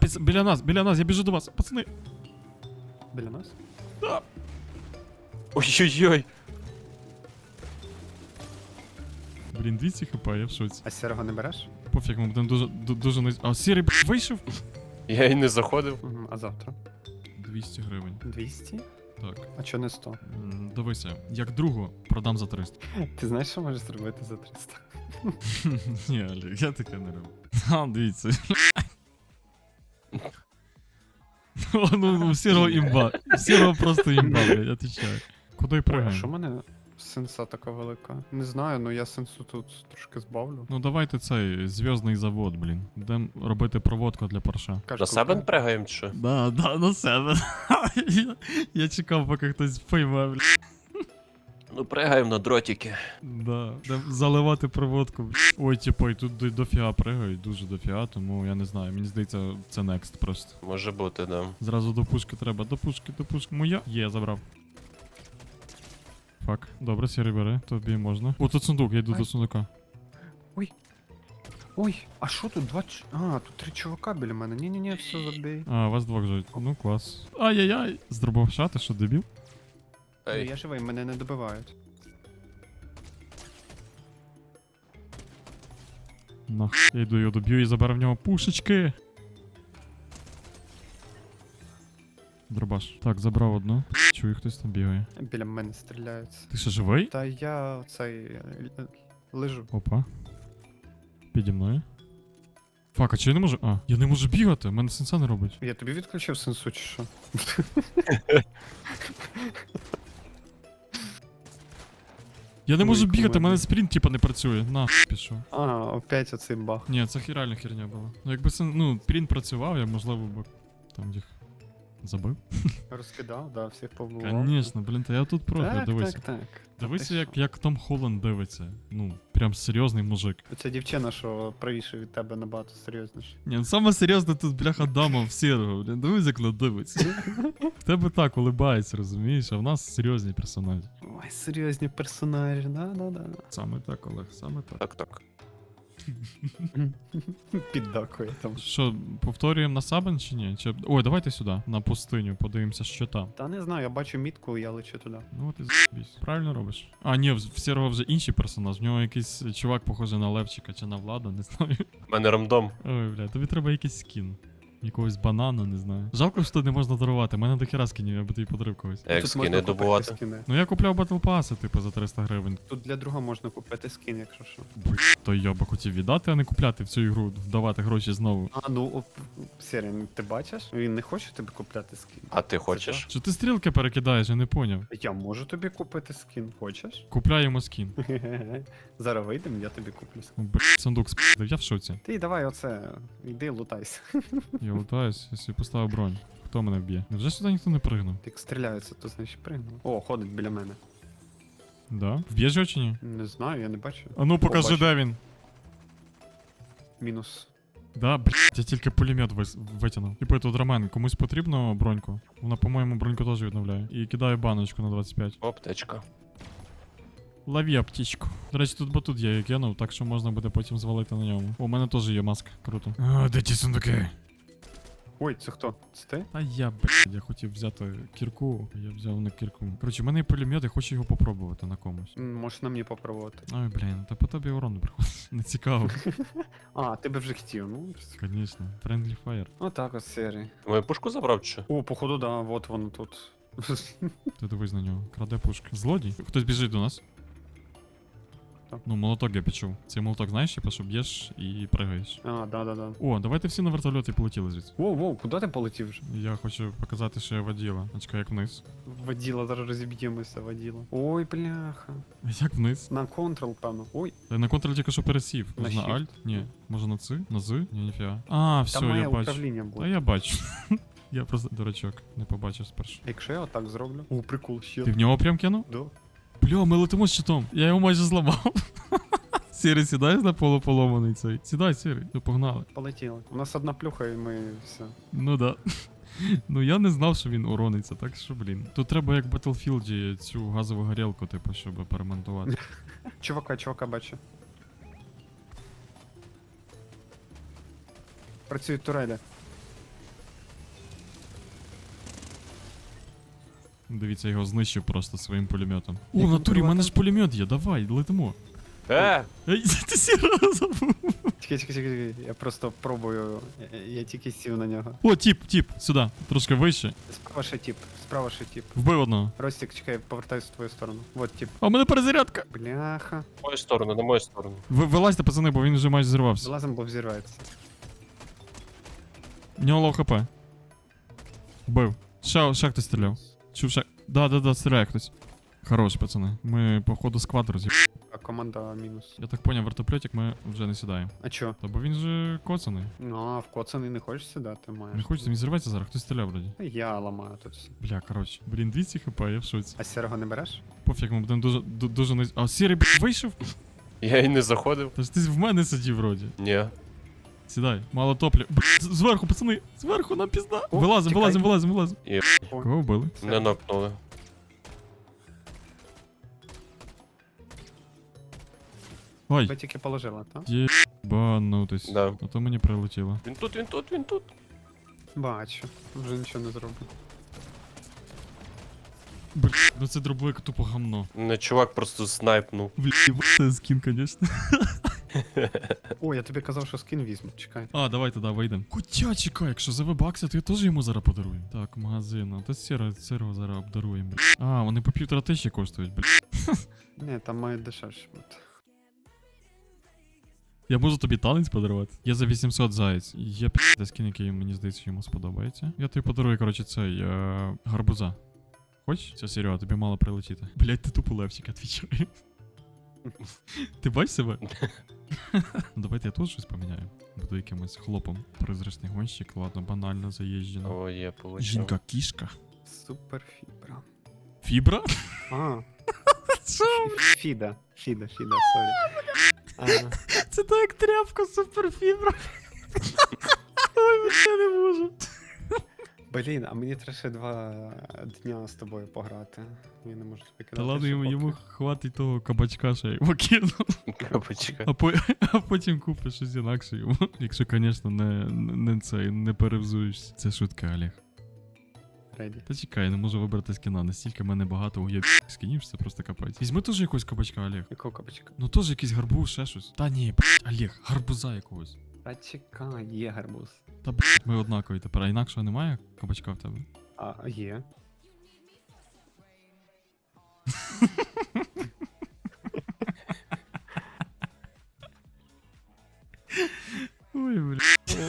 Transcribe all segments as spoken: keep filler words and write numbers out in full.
Десь біля нас, біля нас, я біжу до вас, пацани. Біля нас? Да. Ой-ой-ой. Блін, двісті хп, я в шоці. А сірого не береш? Пофіг, ми будемо дуже, ду- дуже не... А, сірий, б**, вийшов? Я і не заходив. Угу. А завтра? двісті гривень. двісті? Так. А чо не сто? М, Дивися, як другу продам за триста. Ти знаєш, що можеш зробити за триста? Ні, Олег, я таке не роблю. А, дивіться. О, ну, ну, сірого імба. Сірого просто імба, блядь, отвечаю. Куди Ой, а пригаємо? що в мене сенса така велика? Не знаю, ну я сенсу тут трошки збавлю. Ну давайте цей зв'язний завод, блін. Йдемо робити проводку для парша. Кажеш, На себе купи. пригаємо чи що? Да, да, на себе. я, я чекав, поки хтось пойме, блін. Ну пригаємо на дротики. Да. Йдем заливати проводку. блін. Ой, типу, і тут до- дофіга пригають, дуже дофіга, тому я не знаю, мені здається, це next просто. Може бути, да. Зразу до пушки треба, до пушки, до пушки. Моя. Є, забрав. Фак. Добре, сірий бери, тобі можна. О, тут сундук, я йду Ай. до сундука. Ой, а що тут? Два ч... А, тут три чувака біля мене. Ні-ні-ні, все забей. А, вас двох живуть. Ну, клас. Ай-яй-яй. З дробовша, ти що, дебіл? Ну, Ей. я живий, мене не добивають. Нах. Я йду його доб'ю і заберу в нього пушечки. Дробаш. Так, забрав одну. Чую, хтось там бігає. Біля мене стріляються. Ти що, живий? Та я цей е, л- лежу. Опа. Піді мною. Фак, а чи я не можу. А, я не можу бігати, в мене сенса не робить. Я тобі відключив сенсу чи що? Я не Ой, можу бігати, в кумедно. мене спринт типа не працює. На, пішов. А, опять оцей баг. Ні, це хі- реально херня була. Ну якби сен- ну, спринт працював, я можливо б там їх забив. Розкидав, да, всіх побував. Конечно, блін, та я тут проти, Так, дивися. так, так. Дивися, Та ти як, як Том Холланд дивиться. Ну, прям серйозний мужик. що? Ця дівчина, що правіше від тебе набагато серйозніше. Ні, ну саме серйозно тут бляха дама в сірого, блін, дивись, як вона дивиться. В тебе так улибається, розумієш, а в нас серйозні персонажі. Ой, серйозні персонажі, да-да-да. Саме так, Олег, саме так. Так, так. Піддакує там. Що, повторюємо на Сабен чи ні? Чи... Ой, давайте сюди, на пустиню, подивимося, що там. Та не знаю, я бачу мітку, я лечу туди. Ну от і з***бісь. Правильно робиш. А, ні, в в сірого вже інший персонаж. В нього якийсь чувак похожий на Левчика чи на Влада, не знаю. У мене рандом. Ой, бля, тобі треба якийсь скін. Якогось банана, не знаю. Жалко, що не можна дарувати. У мене до хіра скінів, я би тобі подарив когось. Як Тут скини можна купити добувати. скіни. Ну я купляв батл паси, типу, за триста гривень. Тут для друга можна купити скін, якщо що. То я би хотів віддати, а не купляти в цю ігру, вдавати гроші знову. А, ну, оп, Сірін, ти бачиш? Він не хоче тобі купляти скін. А ти хочеш? Що ти стрілки перекидаєш, я не поняв. Я можу тобі купити скін, хочеш? Купляємо скін. Зараз вийдемо, я тобі куплю скін. Ну, б**, сундук спіздив, я в шоці. Ти давай оце, йди лутайся. Я лутаюсь, я собі поставив бронь. Хто мене вб'є? Невже сюди ніхто не пригнув? Як стріляються, то значить пригнув. О, ходить біля мене. Да? Вб'єш його чи ні? Не знаю, я не бачу. А ну покажи, Побачу. де він. Мінус. Да, блядь, я тільки пулемет вис- витягнув. Типу, тут Ромен, комусь потрібно броньку? Вона, по-моєму, броньку теж відновляє. І кидаю баночку на двадцять п'ять. Аптечка. Лови аптечку. До речі, тут батут є, я кинув, так що можна буде потім звалити на ньому. О, у мене теж є маска, круто. А, де ті сундуки? Ой, це хто? Це ти? А я, блядь, я хотів взяти кірку, а я взяв не кірку. Коротше, в мене є пулемет, я хочу його попробувати на комусь. М, Можеш на мені попробувати. Ой, блін, та по тобі урон не приходить. Не цікаво. А, ти би вже хотів, ну. Звісно. Friendly fire. Отак от серії. Ти мою пушку забрав чи що? О, походу, да, от воно тут. Ти дивись на нього. Краде пушки. Злодій? Хтось біжить до нас. Так. Ну, молоток я почув. Цей молоток, знаєш, типу, що б'єш і пригаєш. А, да-да-да. О, давайте всі на вертольоті полетіли звідси. Воу, воу, куди ти полетів вже? Я хочу показати, що я воділа. А чекай, як вниз. Воділа, зараз розіб'ємося, воділа. Ой, бляха. А як вниз? На контрол, певно. Ой, Я на контроль тільки що пересів. На Може на shift. Alt? Ні. Може на Ц? На З? Ні, ніфіга. А, все, там має я бачу. управління Та бути. я бачу. Я просто дурачок, не побачив спершу. Якщо я отак зроблю. О, прикол, ще. Ти в нього прям кинув? Да. Бля, ми летимо з щитом. Я його майже зламав. Сірий, сідай на полуполоманий цей. Сідай, Сірий, ну погнали. Полетіло. У нас одна плюха і ми все. Ну да. Ну я не знав, що він урониться, так що, блін. Тут треба як в Battlefield цю газову горілку, типу, щоб перемонтувати. Чувака, чувака бачу. Працюють турелі. Дивіться, я його знищив просто своїм пулеметом. О, в натурі, в мене ж пулемет є, давай, летимо. Е! Ей, ти сіра забув. Чекай, чекай, чекай, я просто пробую, я, я тільки сів на нього. О, тіп, тіп, сюди, трошки вище. Справа ще тіп, справа ще тіп. Вбив одного. Ростик, чекай, повертаюсь в твою сторону. Вот тіп. А в мене перезарядка. Бляха. На мою сторону, на мою сторону. Ви, вилазьте, пацани, бо він вже майже зірвався. Залазим, бо взірветься. В нього лоу хп. Вбив. Ще, ще хтось стріляв. Чув ще. Да, да, да, стріляє хтось. Хорош, пацани. Ми, походу, склад роз'їб. А команда мінус. Я так поняв, вертопльотик ми вже не сідаємо. А чо? Та бо він же коцаний. Ну, а в коцаний не хочеш сідати, маєш. Не хочеться, він зірветься зараз, хтось стріляв вроді. Я ламаю тут все. Бля, коротше. Блін, двісті хп, я в шоці. А сірого не береш? Пофіг, ми будемо дуже, ду- дуже не... А, сірий, б**, вийшов? Я і не заходив. Та ж ти в мене сидів вроді. Ні. Сідай, мало топлі. Б**, з- зверху, пацани, зверху нам пізда. О, Вилазим, тікай. вилазим, вилазим, вилазим. І Кого вбили? мене нокнули. Ой, Ви тільки положила, так? єбанутись. Да. А то мені прилетіло. Він тут, він тут, він тут. Бачу. Вже нічого не зроблю. Бля, ну це дробовик тупо гамно. Не чувак просто снайпнув. Бля, це скін, конечно. О, я тобі казав, що скін візьму, чекай. А, давай тоді вийдемо. Хоча чекай, якщо за вебакси, то я теж йому зараз подарую. Так, магазин, а то сіро, сирого зараз обдаруємо. Бля. А, вони по півтора тисячі коштують, бля. Ні, там мають дешевше бути. Я можу тобі танець подарувати. Я за вісімсот заєць. Є п***й скін, який мені здається, йому сподобається. Я тобі подарую, коротше, цей е- гарбуза. Хоч? Це Серега, тобі мало прилетіти. Блять, ти тупо левчик, отвічаю. Ти бачиш себе? Ну, давайте я тут щось поміняю. Буду якимось хлопом. Призрачний гонщик, ладно, банально заїжджено. О, є, получив. Жінка кішка. Супер фібра. Фібра? А, Що? фіда. Фіда, фіда, сорі. А, Це так як тряпка суперфібра. Ой, я не можу. блін, а мені треба ще два дня з тобою пограти. Я не можу тобі Та кидати. ладно, ще йому, поки. йому хватить того кабачка, що я йому кину. Капочка. А, по, а потім купиш щось інакше йому. Якщо, звісно, не, не, не цей, не перевзуєшся. Це шутка, Олег. Реді. Та чекай, я не можу вибрати скіна. Настільки в мене багато уєб скінів, що це просто капець. Візьми теж якогось кабачка, Олег. Якого капочка? Ну теж якийсь гарбуз, ще щось. Та ні, блядь, Олег, гарбуза якогось. Та чекай, є гарбуз. Та блядь, ми однакові тепер, а інакшого немає кабачка в тебе? А, є. Ой, блядь.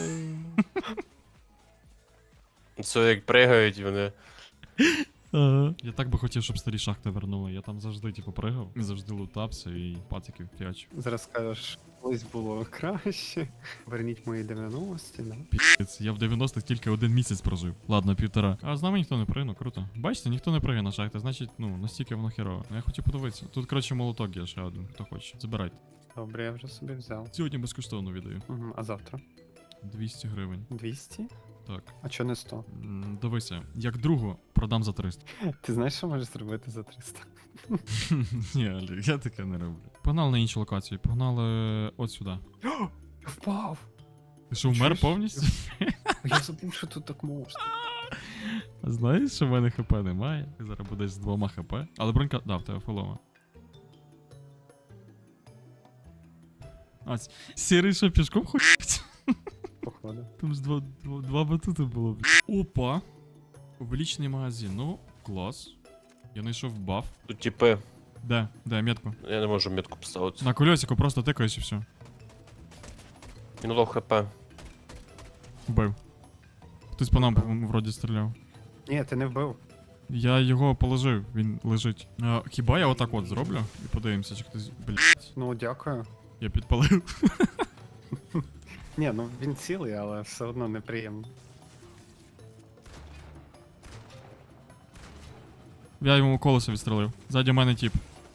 Це як пригають вони. Ага. Я так би хотів, щоб старі шахти вернули. Я там завжди, типу, пригав, і завжди лутався і пациків фіач. Зараз скажеш, колись було краще. Верніть мої дев'яності, да? Піць, я в дев'яностих тільки один місяць прожив. Ладно, півтора. А з нами ніхто не пригне, круто. Бачите, ніхто не пригне на шахти, значить, ну, настільки воно херово. Ну я хотів подивитися. Тут, коротше, молоток є ще один, хто хоче. Забирайте. Добре, я вже собі взяв. Сьогодні безкоштовно віддаю. Угу, а завтра? двісті гривень. двісті? Так. А чо не сто? М, Дивися, як другу продам за триста. Ти знаєш, що можеш зробити за триста? Ні, Олег, я таке не роблю. Погнали на іншу локацію, погнали от сюди. Я впав! Ти що, вмер Чуєш? повністю? Я забув, що тут так можна. А знаєш, що в мене хп немає? Ти зараз будеш з двома хп. Але бронька. Да, в тебе фолома. А, с- сірий що пішком ходить? Походу. Там ж два, два, два батути було. Опа. Увеличений магазин. Ну, клас. Я знайшов баф. Тут типи. Де? Де, метку? Я не можу метку поставити. На кольосику просто тикаєш і все. Він лов хп. Вбив. Хтось по нам в- вроді стріляв. Ні, ти не вбив. Я його положив, він лежить. А, хіба я отак от зроблю? І подивимося, чи хтось. Блять. Ну, дякую. Я підпалив. Ні, ну він цілий, але все одно неприємно. Я йому колесо відстрелив. Ззаді мене тіп.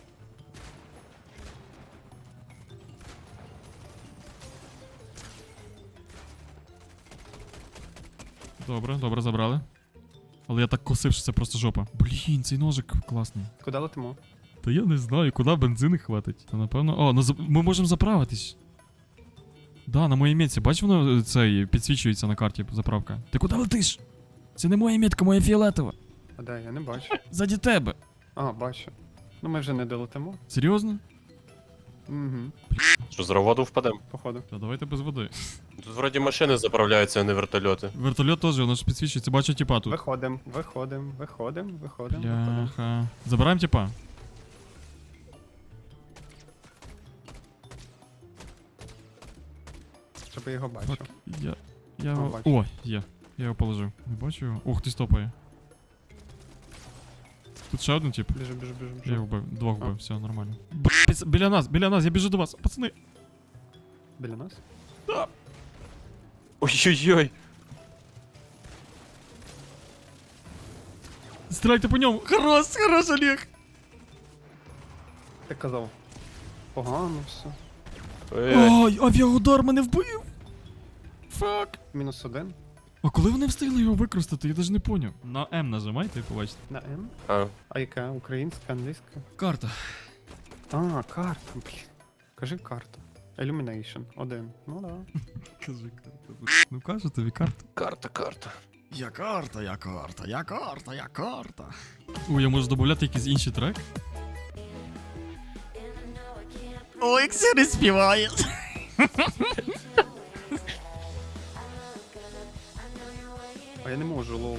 Добре, добре, забрали. Але я так косив, що це просто жопа. Блін, цей ножик класний. Куди летимо? Та я не знаю, куди бензини хватить. Та напевно. О, ну за- ми можемо заправитись. Да, на моїй метці, бач, воно е, цей підсвічується на карті заправка. Ти куди летиш? Це не моя метка, моя фіолетова. А де, я не бачу. Заді тебе. А, бачу. Ну ми вже не долетимо. Серйозно? Угу, Що, з воду впадемо? походу. Та давайте без води. Тут вроді машини заправляються, а не вертольоти. Вертольот теж, воно ж підсвічується, бачу тіпа тут. Виходим, виходим, виходим, виходим, виходим. Бляха. Забираємо тіпа. Щоб я його бачив. Я. Я. А, його- бачу. О, є. Я його положив. Не бачу його. Ух, ти стопає. Тут ще один тип. Біжу, біжу, біжу, Я його біжу. вбив. Двох А. вбив, все нормально. Блять, біля нас, біля нас, я біжу до вас, пацани. Біля нас? Ой-ой-ой! Стріляйте по ньому. Хорош, хорош, Олег. Ти казав. Погано все. Ой-ой. Ой, авіаудар мене вбив. Фак. Мінус один. А коли вони встигли його використати, я навіть не поняв. На М нажимайте і побачите. На М. А, А яка? Українська, англійська? Карта. А, карта, блін. Кажи карта. Illumination. Один. Ну да. Кажи карта. Ну кажу тобі карта. карта, карта. Я карта, я карта, я карта, я карта. Ой, я можу додати якийсь інший трек? Ой, як Сірі співає. А я не можу, лол.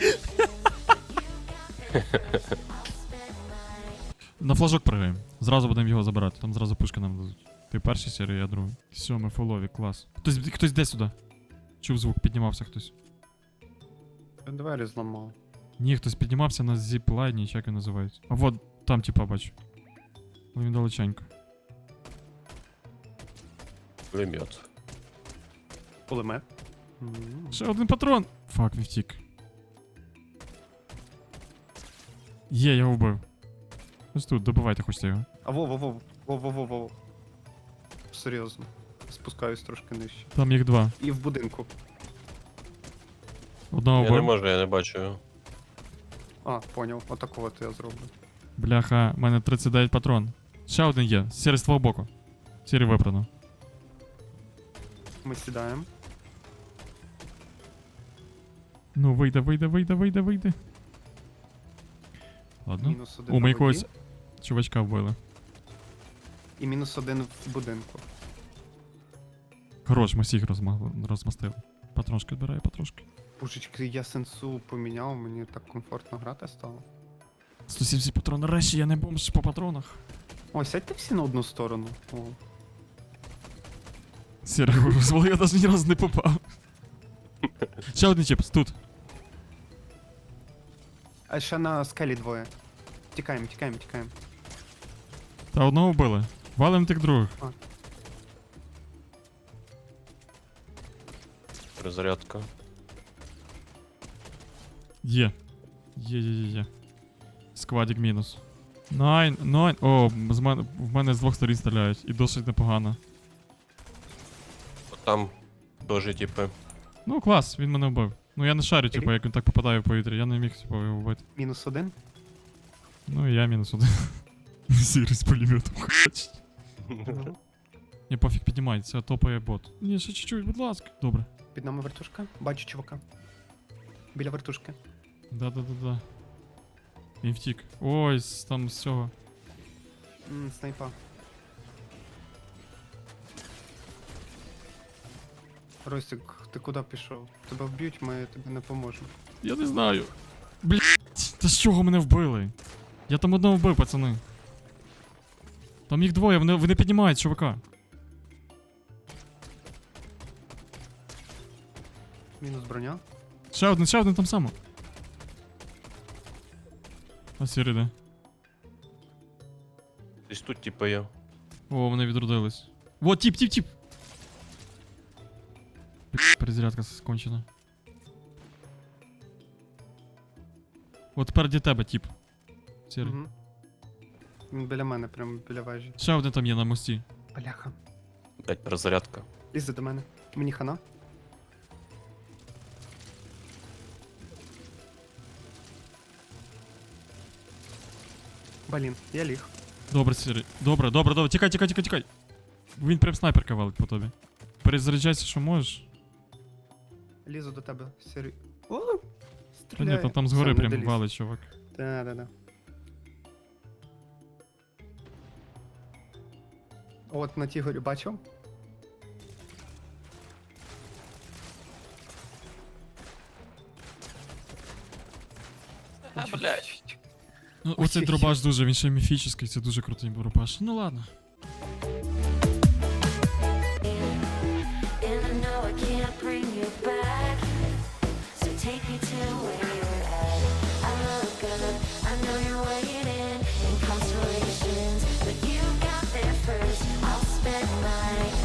На флажок пригаємо. Зразу будемо його забирати, там зразу пушки нам дадуть. Ти перший серій, я другий. Все, ми фолові, клас. Хтось, хтось де сюди. Чув звук, піднімався хтось. Я двері зламав. Ні, хтось піднімався на зіплайні, чи як він називається. А вот, там типа бачу. Але він далеченько. Пулемет. Пулемет. М. Ще один патрон! Фак, він втік. Є, я його вбив. Ось тут, добивайте хочете його. А во, во, во, во, во, во, во. Серйозно. Спускаюсь трошки нижче. Там їх два. І в будинку. Одного Я не вбив. можу, я не бачу його. А, поняв. Отакого от я зроблю. Бляха, в мене тридцять дев'ять патрон. Ще один є, сірий з твого боку. Сірий випрано. Ми сідаємо. Ну, вийде, вийде, вийде, вийде, вийде. Ладно. Мінус один. О, на ми воді. якогось чувачка вбили. І мінус один в будинку. Хорош, ми всіх розма- розмастили. Патрошки збираю, патрошки. Пушечки, я сенсу поміняв, мені так комфортно грати стало. сто сімдесят патрон. Нарешті я не бомж по патронах. О, сядьте всі на одну сторону. О. Сірий розвал, я навіть ні разу не попав. Ще один чіпс, тут. А ще на скелі двоє. Тікаємо, тікаємо, тікаємо. Та одного вбили. Валим тих других. Перезарядка. Є. Є, є, є, є. Сквадік мінус. Найн, найн. О, з мене, в мене з двох сторін стріляють. І досить непогано. От там теж, типи. Ну, клас, він мене вбив. Ну я не шарю, типу, як він так попадає в повітря. Я не міг, типу, його вбити. Мінус один. Ну і я мінус один. Сірий з пулеметом хоче. Ні, пофіг піднімається, топає бот. Ні, ще чуть-чуть, будь ласка. Добре. Під нами вертушка. Бачу чувака. Біля вертушки. Да-да-да-да. Він втік. Ой, з- там з цього. М, снайпа. Ростик, ти куди пішов? Тебе вб'ють, ми тобі не поможемо. Я не знаю. Блять, та з чого мене вбили? Я там одного вбив, пацани. Там їх двоє, вони, вони піднімають чувака. Мінус броня. Ще один, ще один там само. А сірий де? Десь тут, типи, є. О, вони відродились. Во, тіп, тіп, тіп! Блядь, перезарядка скончена. От тепер де тебе, тіп. Сірий. Мгм. Він біля мене, прямо біля вежі. Ще один там є на мості. Бляха. Блять, перезарядка. Лізе до мене. Мені хана. Блін, я ліг. Добре, сірий. Добре, добре, добре. Тікай, тікай, тікай, тікай. Він прям снайперка валить по тобі. Перезаряджайся, що можеш. Лізу до тебе. Сері... О! Та ні, та там згори прям валить, чувак. Да, да, да. От на тій горі бачив? А, блядь. Ну, оцей Ой, дробаш дуже, він ще міфічний, це дуже крутий дробаш. Ну ладно.